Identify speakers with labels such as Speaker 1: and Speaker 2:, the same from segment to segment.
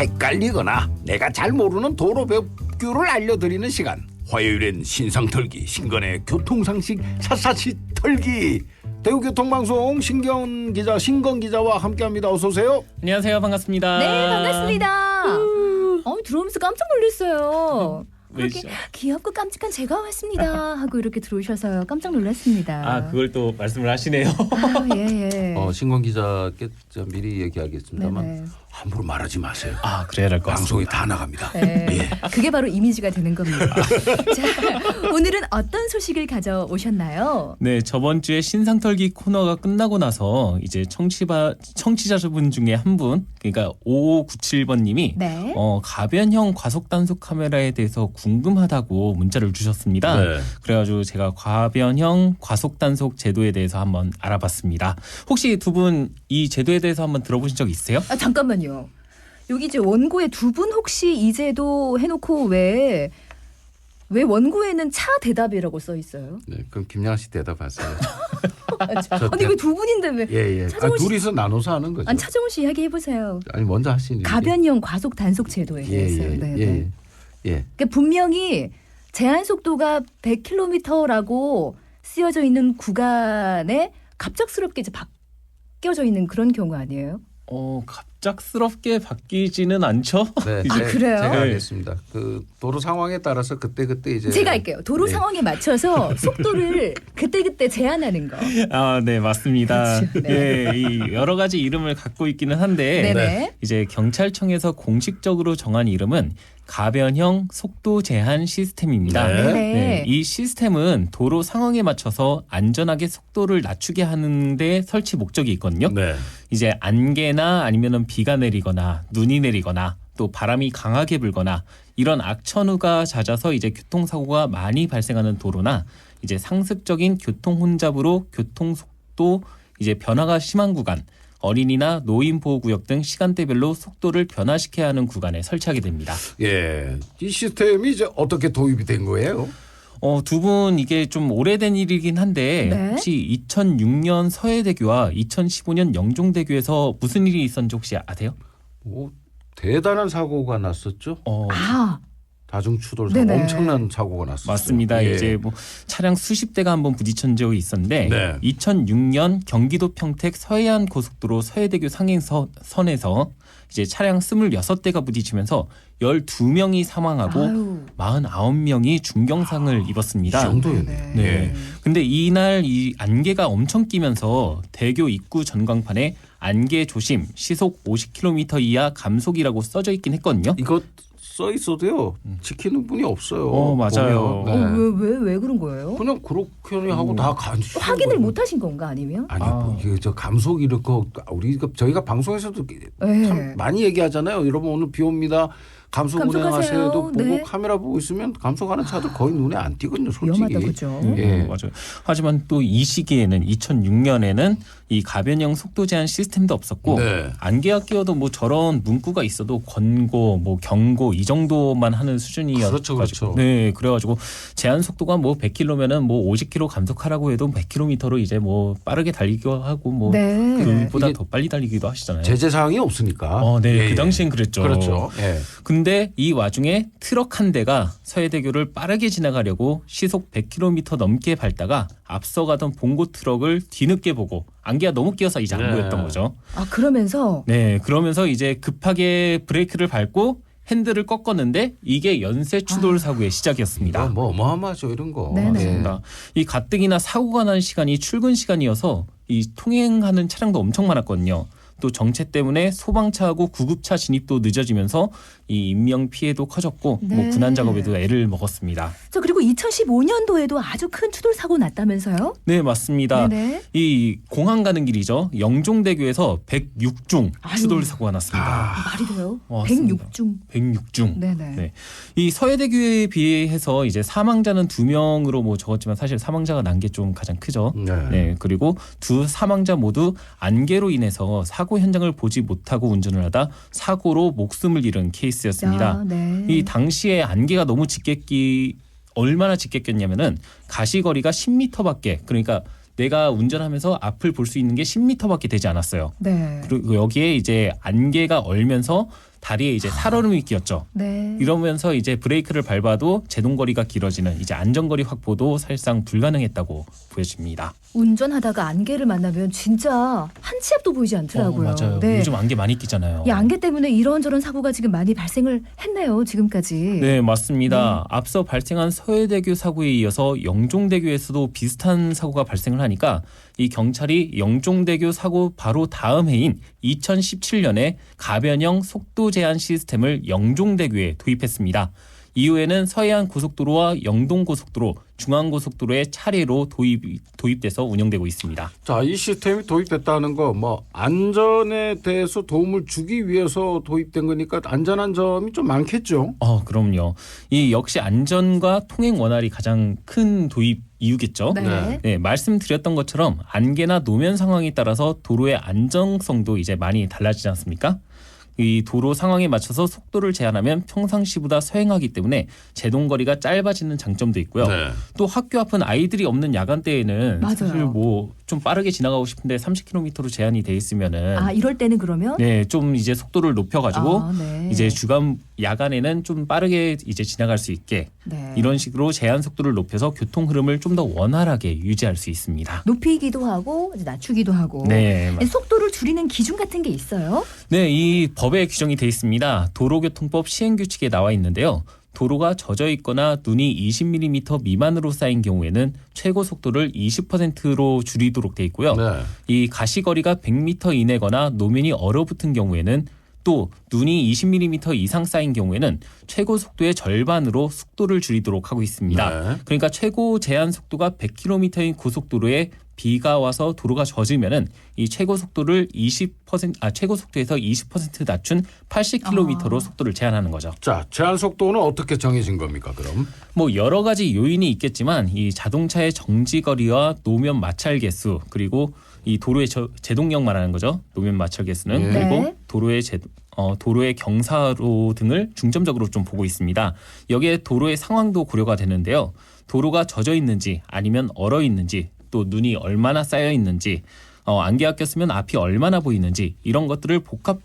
Speaker 1: 헷갈리거나 내가 잘 모르는 도로법규를 알려드리는 시간. 화요일엔 신상털기 신건의 교통상식 샅샅이 털기. 대구교통방송 신건 기자와 함께합니다. 어서 오세요.
Speaker 2: 안녕하세요. 반갑습니다.
Speaker 3: 네, 반갑습니다. 들어오면서 깜짝 놀랐어요. 그렇게
Speaker 2: 왜죠?
Speaker 3: 귀엽고 깜찍한 제가 왔습니다 하고 이렇게 들어오셔서 깜짝 놀랐습니다.
Speaker 2: 아, 그걸 또 말씀을 하시네요.
Speaker 3: 예.
Speaker 1: 신건 기자께 미리 얘기하겠습니다만
Speaker 3: 네네.
Speaker 1: 함부로 말하지 마세요.
Speaker 2: 아, 그래야 될 것
Speaker 1: 방송이
Speaker 2: 같습니다.
Speaker 1: 다 나갑니다.
Speaker 3: 네.
Speaker 1: 예.
Speaker 3: 그게 바로 이미지가 되는 겁니다. 자, 오늘은 어떤 소식을 가져오셨나요?
Speaker 2: 네, 저번 주에 신상털기 코너가 끝나고 나서 이제 청취자분 중에 한 분, 그러니까 5597번님이
Speaker 3: 네.
Speaker 2: 가변형 과속 단속 카메라에 대해서 궁금하다고 문자를 주셨습니다.
Speaker 1: 네.
Speaker 2: 그래가지고 제가 가변형 과속 단속 제도에 대해서 한번 알아봤습니다. 혹시 두 분 이 제도에 대해서 한번 들어보신 적 있으세요?
Speaker 3: 아, 잠깐만요. 여기 이제 원고에 두 분 혹시 이 제도 해놓고 왜 원고에는 차 대답이라고 써 있어요?
Speaker 1: 네, 그럼 김양 씨 대답하세요.
Speaker 3: 아니 왜 두 분인데 왜?
Speaker 1: 예.
Speaker 3: 차정훈 씨-
Speaker 1: 둘이서 나눠서 하는 거죠.
Speaker 3: 아니 차정훈 씨 이야기 해보세요.
Speaker 1: 아니 먼저 하시니.
Speaker 3: 가변형 과속 단속 제도에 대해서요. 네.
Speaker 1: 예.
Speaker 3: 분명히 제한 속도가 100km라고 쓰여져 있는 구간에 갑작스럽게 이제 바뀌어져 있는 그런 경우 아니에요?
Speaker 2: 갑작스럽게 바뀌지는 않죠?
Speaker 1: 네,
Speaker 3: 아, 그래요?
Speaker 1: 제가 하겠습니다. 그 도로 상황에 따라서 그때 이제
Speaker 3: 제가 할게요. 도로
Speaker 1: 네.
Speaker 3: 상황에 맞춰서 속도를 그때 제한하는 거.
Speaker 2: 아, 네, 맞습니다.
Speaker 3: 그렇죠. 네.
Speaker 2: 네, 이 여러 가지 이름을 갖고 있기는 한데
Speaker 3: 네네.
Speaker 2: 이제 경찰청에서 공식적으로 정한 이름은 가변형 속도 제한 시스템입니다.
Speaker 1: 네.
Speaker 2: 네, 이 시스템은 도로 상황에 맞춰서 안전하게 속도를 낮추게 하는 데 설치 목적이 있거든요.
Speaker 1: 네.
Speaker 2: 이제 안개나 아니면은 비가 내리거나 눈이 내리거나 또 바람이 강하게 불거나 이런 악천후가 잦아서 이제 교통사고가 많이 발생하는 도로나 이제 상습적인 교통 혼잡으로 교통 속도 이제 변화가 심한 구간, 어린이나 노인 보호구역 등 시간대별로 속도를 변화시켜야 하는 구간에 설치하게 됩니다.
Speaker 1: 예. 이 시스템이 이제 어떻게 도입이 된 거예요?
Speaker 2: 두 분 이게 좀 오래된 일이긴 한데
Speaker 3: 네.
Speaker 2: 혹시 2006년 서해대교와 2015년 영종대교에서 무슨 일이 있었는지 혹시 아세요?
Speaker 1: 대단한 사고가 났었죠.
Speaker 3: 아,
Speaker 1: 다중 추돌 사고
Speaker 3: 네네.
Speaker 1: 엄청난 사고가 났었죠.
Speaker 2: 맞습니다.
Speaker 1: 예.
Speaker 2: 이제 뭐 차량 수십 대가 한번 부딪힌 적이 있었는데
Speaker 1: 네.
Speaker 2: 2006년 경기도 평택 서해안 고속도로 서해대교 상행선에서 이제 차량 26대가 부딪히면서 12명이 사망하고
Speaker 3: 아유.
Speaker 2: 49명이 중경상을 입었습니다.
Speaker 1: 이 정도였네.
Speaker 2: 네. 근데 이날 이 안개가 엄청 끼면서 대교 입구 전광판에 안개 조심 시속 50km 이하 감속이라고 써져 있긴 했거든요.
Speaker 1: 이거 써 있어도요. 지키는 분이 없어요.
Speaker 2: 맞아요.
Speaker 1: 보면. 네.
Speaker 3: 왜 그런 거예요?
Speaker 1: 그냥 그렇게 하고 다 간주.
Speaker 3: 확인을 못 하신 건가 아니면?
Speaker 1: 아니 이게 저 감속 이렇게 저희가 방송에서도
Speaker 3: 네.
Speaker 1: 참 많이 얘기하잖아요. 여러분 오늘 비 옵니다. 감속
Speaker 3: 감속하세요.
Speaker 1: 운행하세요도 보고
Speaker 3: 네.
Speaker 1: 카메라 보고 있으면 감속하는 차도 거의 눈에 안 띄거든요. 솔직히.
Speaker 3: 위험하다 그죠?
Speaker 1: 예.
Speaker 2: 맞아요. 하지만 또 이 시기에는 2006년에는 이 가변형 속도 제한 시스템도 없었고
Speaker 1: 네.
Speaker 2: 안개가 끼어도 뭐 저런 문구가 있어도 권고, 뭐 경고 이 정도만 하는 수준이었가지고
Speaker 1: 그렇죠.
Speaker 2: 네, 그래가지고 제한 속도가 뭐 100km면은 뭐 50km 감속하라고 해도 100km로 이제 뭐 빠르게 달리기도 하고 뭐
Speaker 3: 네.
Speaker 2: 그보다
Speaker 1: 이게
Speaker 2: 더 빨리 달리기도 하시잖아요.
Speaker 1: 제재 사항이 없으니까.
Speaker 2: 네,
Speaker 1: 예,
Speaker 2: 그
Speaker 1: 예.
Speaker 2: 당시엔 그랬죠.
Speaker 1: 그렇죠. 예.
Speaker 2: 근데 이 와중에 트럭 한 대가 서해대교를 빠르게 지나가려고 시속 100km 넘게 밟다가 앞서가던 봉고 트럭을 뒤늦게 보고 안개가 너무 끼어서 이제 안
Speaker 1: 네.
Speaker 2: 보였던 거죠.
Speaker 3: 아 그러면서
Speaker 2: 네, 그러면서 이제 급하게 브레이크를 밟고 핸들을 꺾었는데 이게 연쇄 추돌 사고의 시작이었습니다.
Speaker 1: 뭐 어마어마하죠 이런 거.
Speaker 3: 네네.
Speaker 2: 맞습니다. 이 가뜩이나 사고가 난 시간이 출근 시간이어서 이 통행하는 차량도 엄청 많았거든요. 또 정체 때문에 소방차하고 구급차 진입도 늦어지면서 이 인명 피해도 커졌고
Speaker 3: 네.
Speaker 2: 뭐 군안 작업에도 애를 먹었습니다.
Speaker 3: 저 그리고 2015년도에도 아주 큰 추돌 사고 났다면서요?
Speaker 2: 네, 맞습니다.
Speaker 3: 네네.
Speaker 2: 이 공항 가는 길이죠. 영종대교에서 106중
Speaker 3: 아유.
Speaker 2: 추돌 사고가 났습니다.
Speaker 3: 말이 돼요?
Speaker 2: 맞습니다.
Speaker 3: 106중.
Speaker 2: 106중.
Speaker 3: 네네.
Speaker 2: 네. 이 서해대교에 비해서 이제 사망자는 2명으로 뭐 적었지만 사실 사망자가 난 게 좀 가장 크죠. 네. 그리고 두 사망자 모두 안개로 인해서 사고 현장을 보지 못하고 운전을 하다 사고로 목숨을 잃은 케이스였습니다.
Speaker 3: 아, 네.
Speaker 2: 이 당시에 안개가 너무 얼마나 짙게 꼈냐면은 가시거리가 10m밖에, 그러니까 내가 운전하면서 앞을 볼 수 있는 게 10m밖에 되지 않았어요.
Speaker 3: 네.
Speaker 2: 그리고 여기에 이제 안개가 얼면서 다리에 이제 살얼음이 끼었죠.
Speaker 3: 네.
Speaker 2: 이러면서 이제 브레이크를 밟아도 제동거리가 길어지는 이제 안전거리 확보도 사실상 불가능했다고 보여집니다.
Speaker 3: 운전하다가 안개를 만나면 진짜 한 치 앞도 보이지 않더라고요.
Speaker 2: 맞아요.
Speaker 3: 네.
Speaker 2: 요즘 안개 많이 끼잖아요.
Speaker 3: 이 안개 때문에 이런저런 사고가 지금 많이 발생을 했네요. 지금까지.
Speaker 2: 네, 맞습니다. 앞서 발생한 서해대교 사고에 이어서 영종대교에서도 비슷한 사고가 발생을 하니까 이 경찰이 영종대교 사고 바로 다음 해인 2017년에 가변형 속도 제한 시스템을 영종대교에 도입했습니다. 이후에는 서해안 고속도로와 영동 고속도로, 중앙 고속도로에 차례로 도입돼서 운영되고 있습니다.
Speaker 1: 자, 이 시스템이 도입됐다는 거 뭐 안전에 대해서 도움을 주기 위해서 도입된 거니까 안전한 점이 좀 많겠죠.
Speaker 2: 그럼요. 이 역시 안전과 통행 원활이 가장 큰 도입 이유겠죠.
Speaker 3: 네.
Speaker 2: 네, 말씀드렸던 것처럼 안개나 노면 상황에 따라서 도로의 안정성도 이제 많이 달라지지 않습니까? 이 도로 상황에 맞춰서 속도를 제한하면 평상시보다 서행하기 때문에 제동거리가 짧아지는 장점도 있고요.
Speaker 1: 네.
Speaker 2: 또 학교 앞은 아이들이 없는 야간대에는
Speaker 3: 맞아요.
Speaker 2: 사실 뭐 좀 빠르게 지나가고 싶은데 30km로 제한이 돼 있으면은
Speaker 3: 이럴 때는 그러면
Speaker 2: 네, 좀 이제 속도를 높여가지고
Speaker 3: 네.
Speaker 2: 이제 야간에는 좀 빠르게 이제 지나갈 수 있게
Speaker 3: 네.
Speaker 2: 이런 식으로 제한 속도를 높여서 교통 흐름을 좀 더 원활하게 유지할 수 있습니다.
Speaker 3: 높이기도 하고 이제 낮추기도 하고.
Speaker 2: 네,
Speaker 3: 속도를 줄이는 기준 같은 게 있어요?
Speaker 2: 네, 이 법에 규정이 돼 있습니다. 도로교통법 시행규칙에 나와 있는데요. 도로가 젖어 있거나 눈이 20mm 미만으로 쌓인 경우에는 최고 속도를 20%로 줄이도록 돼 있고요.
Speaker 1: 네.
Speaker 2: 이 가시거리가 100m 이내거나 노면이 얼어붙은 경우에는 또 눈이 20mm 이상 쌓인 경우에는 최고 속도의 절반으로 속도를 줄이도록 하고 있습니다.
Speaker 1: 네.
Speaker 2: 그러니까 최고 제한 속도가 100km인 고속도로에 비가 와서 도로가 젖으면은 이 최고 속도를 최고 속도에서 20% 낮춘 80km로 속도를 제한하는 거죠.
Speaker 1: 자, 제한 속도는 어떻게 정해진 겁니까, 그럼?
Speaker 2: 뭐 여러 가지 요인이 있겠지만 이 자동차의 정지 거리와 노면 마찰 개수 그리고 이 도로의 제동력 말하는 거죠. 노면 마찰 개수는
Speaker 1: 네.
Speaker 2: 그리고 도로의 경사로 등을 중점적으로 좀 보고 있습니다. 여기에 도로의 상황도 고려가 되는데요. 도로가 젖어 있는지 아니면 얼어 있는지 또 눈이 얼마나 쌓여 있는지 안개가 꼈으면 앞이 얼마나 보이는지 이런 것들이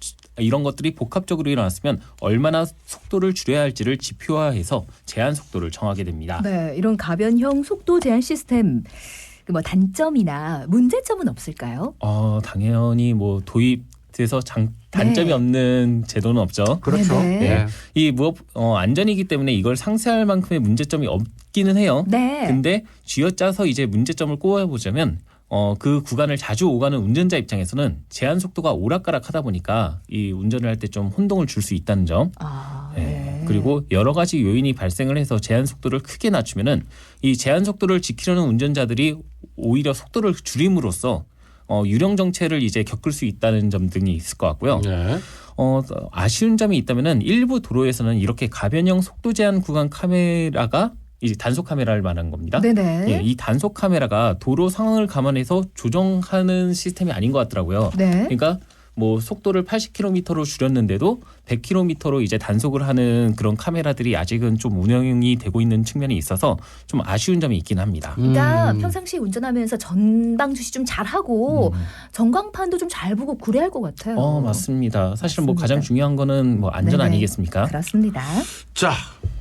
Speaker 2: 복합적으로 일어났으면 얼마나 속도를 줄여야 할지를 지표화해서 제한 속도를 정하게 됩니다.
Speaker 3: 네, 이런 가변형 속도 제한 시스템 뭐 단점이나 문제점은 없을까요?
Speaker 2: 당연히 뭐 도입돼서 단점이
Speaker 3: 네.
Speaker 2: 없는 제도는 없죠.
Speaker 1: 그렇죠.
Speaker 3: 네네.
Speaker 1: 네.
Speaker 2: 이 안전이기 때문에 이걸 상쇄할 만큼의 문제점이 없기는 해요.
Speaker 3: 네.
Speaker 2: 근데 쥐어짜서 이제 문제점을 꼽아보자면 그 구간을 자주 오가는 운전자 입장에서는 제한 속도가 오락가락하다 보니까 이 운전을 할 때 좀 혼동을 줄 수 있다는 점.
Speaker 3: 네.
Speaker 2: 그리고 여러 가지 요인이 발생을 해서 제한 속도를 크게 낮추면은 이 제한 속도를 지키려는 운전자들이 오히려 속도를 줄임으로써 유령 정체를 이제 겪을 수 있다는 점 등이 있을 것 같고요.
Speaker 1: 네.
Speaker 2: 아쉬운 점이 있다면은 일부 도로에서는 이렇게 가변형 속도 제한 구간 카메라가 이제 단속 카메라를 말하는 겁니다.
Speaker 3: 네네.
Speaker 2: 예, 이 단속 카메라가 도로 상황을 감안해서 조정하는 시스템이 아닌 것 같더라고요.
Speaker 3: 네.
Speaker 2: 그러니까 뭐 속도를 80km로 줄였는데도 100km로 이제 단속을 하는 그런 카메라들이 아직은 좀 운영이 되고 있는 측면이 있어서 좀 아쉬운 점이 있긴 합니다.
Speaker 3: 그러니까 평상시에 운전하면서 전방 주시 좀 잘하고 전광판도 좀 잘 보고 그래야 할 것 같아요.
Speaker 2: 맞습니다. 사실 뭐
Speaker 3: 맞습니다.
Speaker 2: 가장 중요한 거는 뭐 안전
Speaker 3: 네네.
Speaker 2: 아니겠습니까?
Speaker 3: 그렇습니다.
Speaker 1: 자,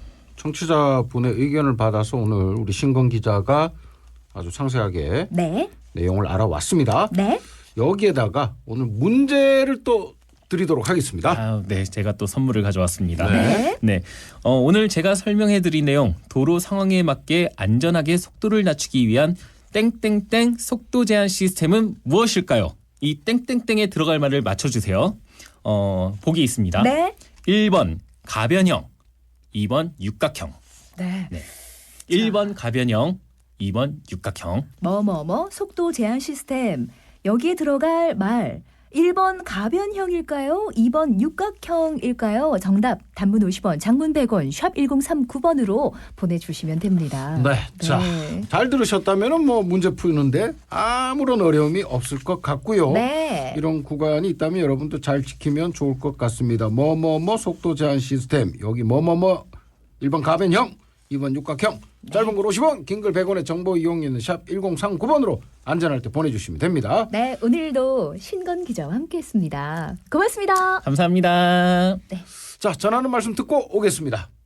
Speaker 1: 청취자분의 의견을 받아서 오늘 우리 신건 기자가 아주 상세하게
Speaker 3: 네.
Speaker 1: 내용을 알아왔습니다.
Speaker 3: 네.
Speaker 1: 여기에다가 오늘 문제를 또 드리도록 하겠습니다.
Speaker 2: 네, 제가 또 선물을 가져왔습니다.
Speaker 3: 네.
Speaker 2: 네, 오늘 제가 설명해드린 내용 도로 상황에 맞게 안전하게 속도를 낮추기 위한 땡땡땡 속도 제한 시스템은 무엇일까요? 이 땡땡땡에 들어갈 말을 맞춰주세요. 보기 있습니다.
Speaker 3: 네.
Speaker 2: 1번 가변형, 2번 육각형.
Speaker 3: 네.
Speaker 2: 1번 가변형, 2번 육각형.
Speaker 3: 속도 제한 시스템. 여기에 들어갈 말 1번 가변형일까요? 2번 육각형일까요? 정답 단문 50원, 장문 100원, 샵 1039번으로 보내주시면 됩니다.
Speaker 1: 네. 자, 잘 들으셨다면 뭐 문제 푸는데 아무런 어려움이 없을 것 같고요.
Speaker 3: 네.
Speaker 1: 이런 구간이 있다면 여러분도 잘 지키면 좋을 것 같습니다. 속도 제한 시스템. 여기 1번 가변형, 2번 육각형, 짧은 글 50원, 긴 글 100원의 정보 이용료는 샵 1039번으로 안전할 때 보내주시면 됩니다.
Speaker 3: 네, 오늘도 신건 기자와 함께했습니다. 고맙습니다.
Speaker 2: 감사합니다.
Speaker 1: 자, 전하는 말씀 듣고 오겠습니다.